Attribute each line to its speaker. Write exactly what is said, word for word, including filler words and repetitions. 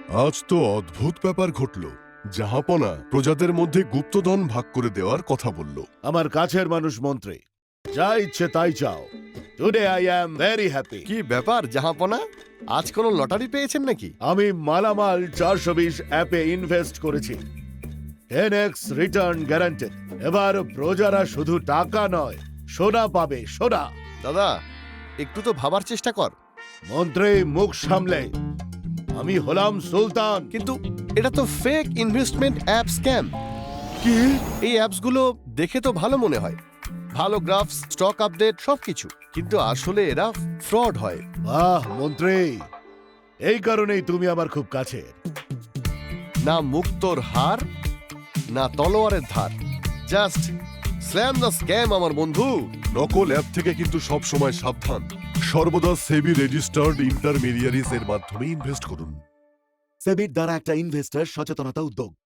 Speaker 1: আজ তো অদ্ভুত ব্যাপার ঘটল। জাহাপনা প্রজাদের মধ্যে গুপ্তধন ভাগ করে দেওয়ার কথা বলল।
Speaker 2: আমার কাছের মানুষ মন্ত্রী, যা ইচ্ছে তাই চাও। Today I am very happy.
Speaker 3: কি ব্যাপার জাহাপনা, আজ কোনো লটারি পেয়েছেন নাকি?
Speaker 2: আমি মালামাল চারশো বিশ অ্যাপে ইনভেস্ট করেছি। Ten X return guaranteed. এবার প্রজারা শুধু টাকা নয়, সোনা পাবে, সোনা।
Speaker 3: দাদা, একটু তো ভাবার চেষ্টা কর।
Speaker 2: মন্ত্রী মুখ সামলে, আমি হলাম সুলতান।
Speaker 3: কিন্তু এটা তো ফেক ইনভেস্টমেন্ট অ্যাপ স্ক্যাম।
Speaker 2: কি?
Speaker 3: এই অ্যাপসগুলো দেখে তো ভালো মনে হয়, ভালো গ্রাফস, স্টক আপডেট সবকিছু, কিন্তু আসলে এরা ফ্রড হয়।
Speaker 2: বাহ মন্ত্রী, এই কারণেই তুমি আমার খুব কাছে।
Speaker 3: না মুক্তোর হার, না তলোয়ারের ধার, জাস্ট স্ল্যাম দ্য স্ক্যাম আমার বন্ধু।
Speaker 1: নকল অ্যাপ থেকে কিন্তু সব সময় সাবধান। সর্বদা সেবি রেজিস্টার্ড ইন্টারমিডিয়ারিজ এর মাধ্যমে ইনভেস্ট করুন।
Speaker 4: সেবির দ্বারা একটা ইনভেস্টর সচেতনতা উদ্যোগ।